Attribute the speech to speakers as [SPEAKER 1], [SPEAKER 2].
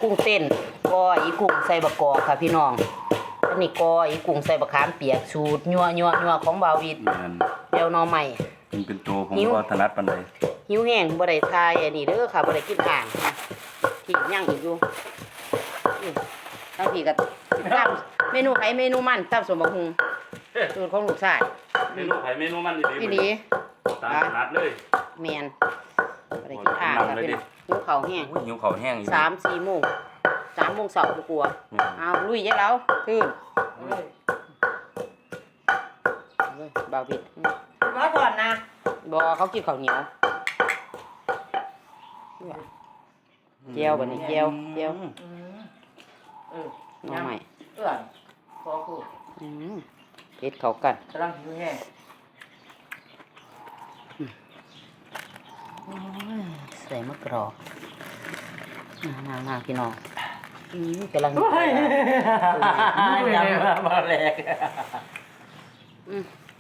[SPEAKER 1] กุ้งเต้นก้อยอีกุ้งใส่บะกอกค่ะพี่น้องอันนี้ก้อยอีกุ้งใส่บะขามเปียกสูตรยัวของบาวิดเดี๋ยวหน่อใหม่
[SPEAKER 2] เป็นตัวผมก็ถนัดปานใด
[SPEAKER 1] หิวแห้งบ่ได้ทายอันนี้เด้อค่ะบ่ได้กินอ่างที่ย่างอีกอยู่ทั้งพี่ก็ตำเมนูไผเมนูมันตำสมบักหุงสูตรของลูกชาย
[SPEAKER 2] เมนูไผเมนูมันดี
[SPEAKER 1] พี่ดี
[SPEAKER 2] ตามถนัดเลย
[SPEAKER 1] แม่นบ่ได้กินอ่างค่ะพี่น้องหิวข้าวแห้ง
[SPEAKER 2] หิวข้าวแห้งอีก
[SPEAKER 1] 3-4 โมง3 โมงเช้าบ่กลัวอ้าวลุยยายแล้วตื่นบ่าวผิด
[SPEAKER 3] มาก่อนนะ
[SPEAKER 1] บ่เขากินข้าวเหนียวเจียวบัดนี้เจียวน้องใหม่
[SPEAKER 3] เอื้อนขอคู่
[SPEAKER 1] เฮ็ดเข้ากัน
[SPEAKER 3] กำลังหิวแห้ง
[SPEAKER 1] ใส่มะกรอกน่าพี่น้องกำลัง
[SPEAKER 3] ยังมาแรก